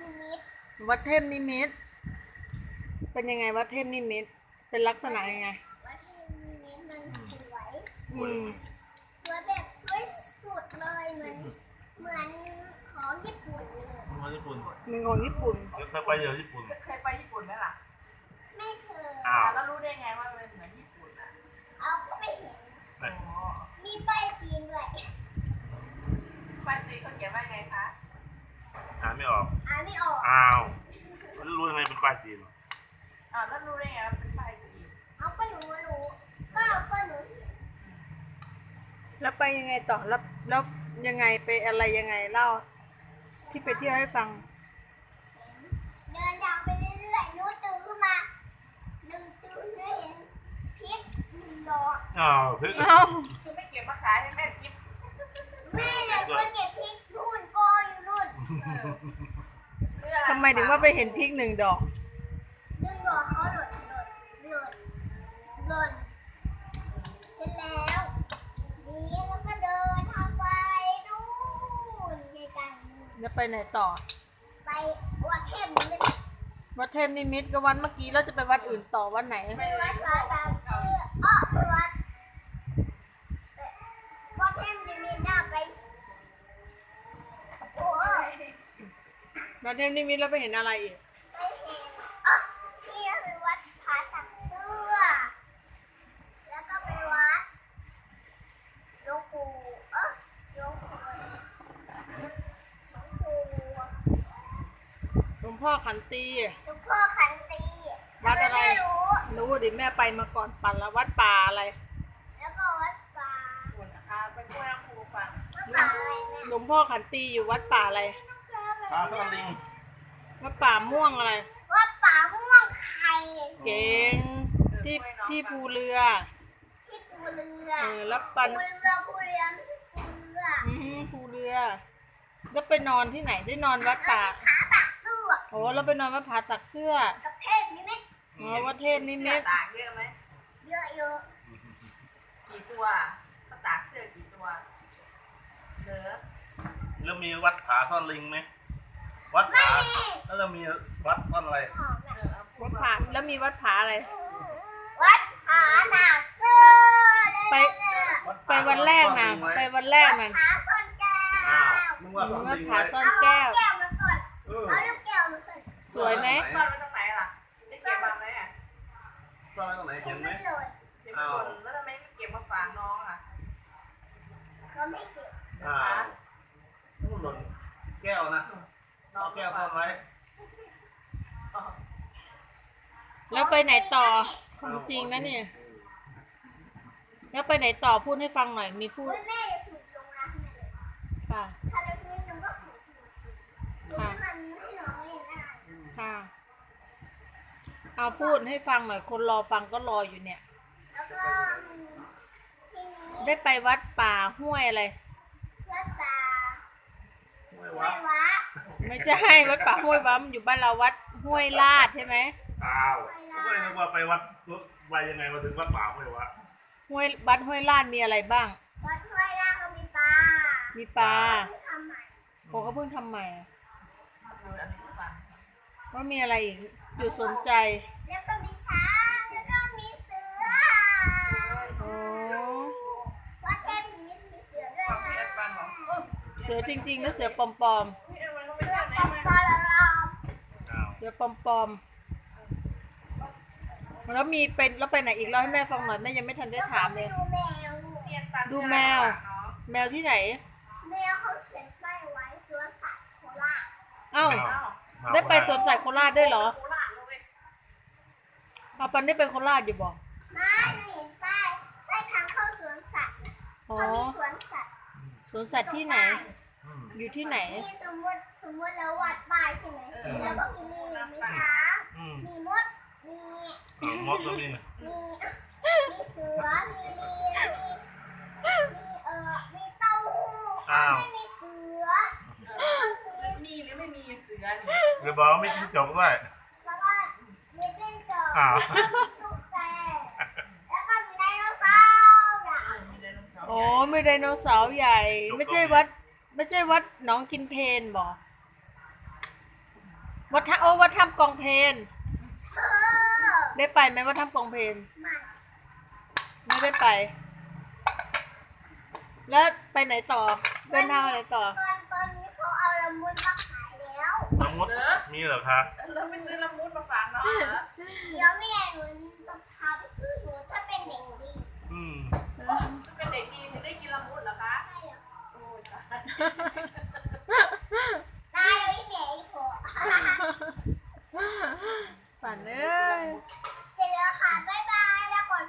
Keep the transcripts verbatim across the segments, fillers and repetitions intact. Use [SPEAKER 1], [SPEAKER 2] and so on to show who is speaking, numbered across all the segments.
[SPEAKER 1] นิมิต
[SPEAKER 2] วัดเทพนิมิตเป็นยังไงวัดเทพนิมิตเป็นลักษณะยังไง
[SPEAKER 1] วัดเทพนิมิตมันสวย
[SPEAKER 2] อืม
[SPEAKER 1] สวยแบบสวยสุดเลยเหมือนเหมือนของญี่ปุ่นเลย
[SPEAKER 3] ของญี่ปุ่น
[SPEAKER 2] มันของญี่ปุ่น
[SPEAKER 3] เคยไปเยอะญี่ปุ่น
[SPEAKER 4] เคยไปญี่ปุ่นไหมล่ะ
[SPEAKER 1] ไม่เคย
[SPEAKER 3] อ้าว
[SPEAKER 4] แล้วรู้ได้ไงว่ามันเหมือนญี่ปุ่นอ่ะ
[SPEAKER 1] เอาก็ไม่เห็นมีป้ายจีนด้วย
[SPEAKER 4] ป้ายจีนเขาเขียนว่าไงคะ
[SPEAKER 3] อ่านไม่ออก
[SPEAKER 1] อ่านไม่ออก
[SPEAKER 3] อ้าวแล้วรู้ยังไงเป็นป้ายจีน
[SPEAKER 4] อ้าวแล้วรู้ได้ไงว่าเป็นป้ายจีน
[SPEAKER 1] เอาก็รู้รู้ก็ก็รู้
[SPEAKER 2] แล้วไปยังไงต่อแล้วแล้วยังไงไปอะไรยังไงเล่าที่ไปเที่ยวให้ฟัง
[SPEAKER 1] เดินทางไปเรื่อยๆนู้ตื่นขึ้นมาหนึ่งตื่นได้เห็นพริกหนึ่งดอก
[SPEAKER 3] อ้าวพริก
[SPEAKER 2] อ้าว
[SPEAKER 4] คือไม่เก็บมาขายให้แม่จิ๊บ
[SPEAKER 1] แม่เนี่ยคนเก็บพริกรุ่นกออยู่รุ่น
[SPEAKER 2] ทำไมถึงว่าไปเห็นพริกหนึ่งดอก
[SPEAKER 1] หนึ่งดอกเขาหล่นหล่นหล่นหล่นเสร็จแล้วนี่แล้วก็เดินทางไปนู่นไกลๆ
[SPEAKER 2] จะไปไหนต่อ
[SPEAKER 1] ไปวัดเทพนิมิต
[SPEAKER 2] วัดเทพนิมิตก็วันเมื่อกี้เราจะไปวัดอื่นต่อวันไหน
[SPEAKER 1] ไปวัดพระบางซื่ออ้อไปวัดวัดเทพนิมิตน่าไปโอ้ย
[SPEAKER 2] วัดเทพนิมิตแล้วไปเห็นอะไรอีก
[SPEAKER 1] ไปเห็นอ๋อที่ไปวัดพระตักเสื้อแล้วก็ไปวัดหลวงปู่เออหลวงปู่หลวงปู่
[SPEAKER 2] หลวงพ่อขันตี
[SPEAKER 1] หลวงพ่อขันตี
[SPEAKER 2] วัดอะไร
[SPEAKER 1] ไม่รู้
[SPEAKER 2] รู้ดิแม่ไปมาก่อนปั่นแล้ววัดป่าอะไร
[SPEAKER 1] แล้วก็วัดป่า
[SPEAKER 4] คุณนะคะไปพูดให้ครูฟัง
[SPEAKER 1] วัดป่าอะไรแม่
[SPEAKER 2] หลวงพ่อขันตีอยู่วัดป่าอะไร
[SPEAKER 3] ปลาสลิง
[SPEAKER 2] วัดป่าม่วงอะไร
[SPEAKER 1] วัดป่าม่วงไข่
[SPEAKER 2] เก่งที่ที่ภูเรือ
[SPEAKER 1] ที่ภูเรือ
[SPEAKER 2] เออแล้วปั่น
[SPEAKER 1] ภูเรือภูเรือไม่ใช่ภูเรือ
[SPEAKER 2] อืมภูเรือแล้วไปนอนที่ไหนได้นอนวัดป่า
[SPEAKER 1] ผาตักเสื้อ
[SPEAKER 2] โอ้แล้วไปนอนวัดผาตักเสื้อ
[SPEAKER 1] กับเทพนิมิต
[SPEAKER 2] อ๋อวัดเทพนิมิต
[SPEAKER 4] ตากเยอะไหม
[SPEAKER 1] เยอะเยอะ
[SPEAKER 4] กี่ตัวตากเสื้อกี่ตัวเหลือ
[SPEAKER 3] แล้วมีวัดผาซ่อนลิงไหมวัดผาแล้วเรามีวัดซ่อนอะไร
[SPEAKER 2] วัดผาแล้วมีวัดผาอะไร
[SPEAKER 1] วัดผาตักเสื้อ
[SPEAKER 2] ไปไปวันแรกนะไปวันแรกนั่น
[SPEAKER 1] ผาซ่อนแก้ว
[SPEAKER 3] มึงว่าซ่อนลิง
[SPEAKER 2] ผาซ่อน
[SPEAKER 1] แก้วมาซ่อนเอาลูกแก้วมาซ่อน
[SPEAKER 2] สวยไหม
[SPEAKER 4] ซ่อนไว้ตรงไหนล่ะได้เก็บมาไหมอ่ะ
[SPEAKER 3] ซ่อนไว้ตรงไหนเห็นไหม
[SPEAKER 4] เก็บคนแล้วทำไมไม่เก็บมาฝากน้องอ่ะ
[SPEAKER 1] เขาไม่เก็บ
[SPEAKER 3] อ้าวนู่นหล่นแก้วนะน้องแก้วซ่อนไว้
[SPEAKER 2] แล้วไปไหนต่อของจริงนะเนี่ยแล้วไปไหนต่อพูดให้ฟังหน่อยมีพูด
[SPEAKER 1] แม่จะสูบลงน้ำเลย
[SPEAKER 2] ค่ะ
[SPEAKER 1] ถ้าเล็กนิดนึงก็สูบสูบให้มันให้น้องเล่นได้
[SPEAKER 2] ค่ะเอาพูดให้ฟังหน่อยคนรอฟังก็รออยู่เนี่ย
[SPEAKER 1] แล้วก็
[SPEAKER 2] ได้ไปวัดป่าห้วยอะไร
[SPEAKER 1] วัดป่า
[SPEAKER 3] ห้ว
[SPEAKER 1] ยวะ
[SPEAKER 2] ไม่ใช่วัดป่าห้วยวะมันอยู่บ้านเราวัดห้วยลาดใช่ไหม
[SPEAKER 3] อ้าวก็เลยนึกว่าไปวัดไปยังไงมาถึงวัดป่าห้วยวะ
[SPEAKER 2] ห้วยวัดห้วยลาดมีอะไรบ้าง
[SPEAKER 1] วัดห้วยลาดก็มีปลา
[SPEAKER 2] มีปลา
[SPEAKER 1] ทำใหม่
[SPEAKER 2] โอ้เขาเพิ่งทำใหม่ว่ามีอะไรอีกอยู่สนใจ
[SPEAKER 1] แล้วก็มีช้างแล้วก็มีเสือ
[SPEAKER 2] โอ้
[SPEAKER 1] วัดเทพนิมิตมีเสือด้วย
[SPEAKER 2] เสือจริงๆแล้วเสือปลอม
[SPEAKER 1] ๆเสือปลอมปลอม
[SPEAKER 2] เสือปลอมแล้วมีเป็นแล้วไปไหนอีกเล่าให้แม่ฟังหน่อยแม่ยังไม่ทันได้ถามเลยดูแมวแมวที่ไหน
[SPEAKER 1] แมวเขาเขียนป้ายไว้สวนสัตว์โคราช
[SPEAKER 2] อ้าวได้ไปสวนสัตว์โคราชได้เหรอเอาปันได้ไปโคราชอยู่บอก
[SPEAKER 1] ไม่เห็นป้ายป้ายทางเข้าสวนสัตว์เขามีสวนสัตว์
[SPEAKER 2] สวนสัตว์ที่ไหนอยู่ที่ไหน
[SPEAKER 1] นี่สมมติสมมติแล้ววัดป้ายใช่ไหมแล้วก็มีลิงมีช้างมีมดมี
[SPEAKER 3] มดก็มี
[SPEAKER 1] มีมีเสือมีลิงมีมีเอ่อมีเต้าหู้ไม่มีเสือ
[SPEAKER 4] มีหรือไม่มีเสือ
[SPEAKER 3] หรือบอกว่าไม่จิ้งจกด้วย
[SPEAKER 1] แล้วก็มีจิ้งจกตุ๊กแกแล้วก็มีไดโนเสาร์ใหญ่
[SPEAKER 2] โอ้มีไดโนเสาร์ใหญ่ไม่ใช่วัดไม่ใช่วัดหนองกินเพลนบอกวัดท่าโอ้วัดถ้ำกองเพน
[SPEAKER 1] เธอ
[SPEAKER 2] ได้ไปไหมวัดถ้ำกองเพน
[SPEAKER 1] มา
[SPEAKER 2] ไม่ได้ไป แล้วไปไหนต่อ เดินทางไปไหนต่อ
[SPEAKER 1] ตอนตอนนี้เขาเอาละมุนมาขายแล้ว
[SPEAKER 3] ละมุดมีเหรอคะ
[SPEAKER 4] เราไปซื้อละมุดมาฝากน้องเหรอ
[SPEAKER 1] เดี๋ยวแม่หนูจะพาไปซื้อหนูถ้าเป็นเด็กดี
[SPEAKER 3] อืม
[SPEAKER 4] เป็นเด็กดีถึงได้กินละมุดเหรอคะ
[SPEAKER 1] ใช่เหรอ
[SPEAKER 4] โอ้ยตาย
[SPEAKER 1] ตายเลยแม่อีโผ
[SPEAKER 2] ฝันเอ้ย
[SPEAKER 1] เสร็จแล้วค่ะบ๊ายบายแล้วก่อน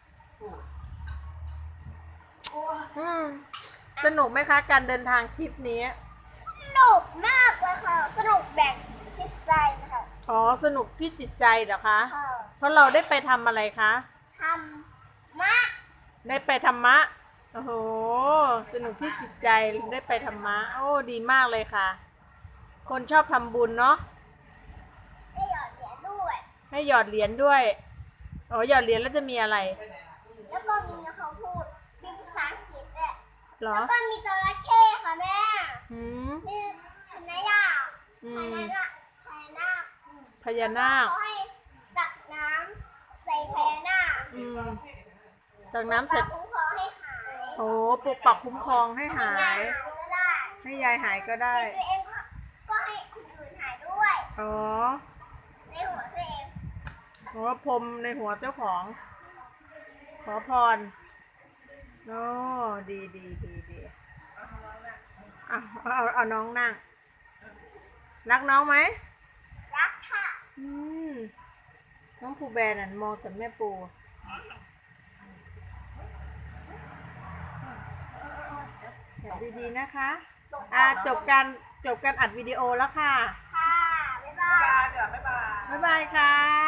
[SPEAKER 2] อืมสนุกไหมคะ การเดินทางทริปนี้
[SPEAKER 1] สนุกมากเลยค่ะ สนุกแบ่งจิตใจนะคะ
[SPEAKER 2] อ๋อ สนุกที่จิตใจเหรอคะ
[SPEAKER 1] ค่ะ
[SPEAKER 2] เพราะเราได้ไปทำอะไรคะ
[SPEAKER 1] ทำมะ
[SPEAKER 2] ได้ไปธรรมะ โอ้โห สนุกที่จิตใจได้ไปธรรมะ โอ้ ดีมากเลยค่ะ คนชอบทำบุญเนาะ
[SPEAKER 1] ได้หยอดเหรียญด้วย
[SPEAKER 2] ให้หยอดเหรียญด้วย อ๋อ หยอดเหรียญแล้วจะมีอะไร
[SPEAKER 1] แล้วก็มีเขาพูดเป็นภาษาอังกฤษด้วย
[SPEAKER 2] เหรอ
[SPEAKER 1] แล้วก็มีจระเข้ค่ะแม่
[SPEAKER 2] หืม
[SPEAKER 1] มีพญายา
[SPEAKER 2] อื
[SPEAKER 1] พ
[SPEAKER 2] ม
[SPEAKER 1] ญานาคพญานาค
[SPEAKER 2] พญานาค
[SPEAKER 1] เขาให้ตักน้ำใส่พญานาค
[SPEAKER 2] อืมจากน้ำเสร็จ
[SPEAKER 1] ปลาคุ้มครองให้หาย
[SPEAKER 2] โอ้ปกปักคุ้มครองให้หา
[SPEAKER 1] ให้
[SPEAKER 2] ย
[SPEAKER 1] ก็ได้
[SPEAKER 2] ให้ยายหายก็ได้
[SPEAKER 1] ตัวเองก็ก็ให้คนอื่นหายด้วย
[SPEAKER 2] อ๋อ
[SPEAKER 1] ในหัวตัวเอง
[SPEAKER 2] โอ้พรมในหัวเจ้าของ ขอพร โอ้ดีดีดีดีอ่ะเอาเอาเอาน้องนั่ง รักน้องไหม
[SPEAKER 1] รักค่ะ
[SPEAKER 2] อืม น้องภูแบนน่ะมองแต่แม่ปูแอบดีๆนะคะ อ่าจบการจบการอัดวิดีโอแล้วค่ะ
[SPEAKER 1] ค่ะ บ๊ายบา
[SPEAKER 4] บ๊าย
[SPEAKER 1] ย
[SPEAKER 4] บายเดี๋ยวบ๊ายบาย
[SPEAKER 2] บ๊ายบายค่ะ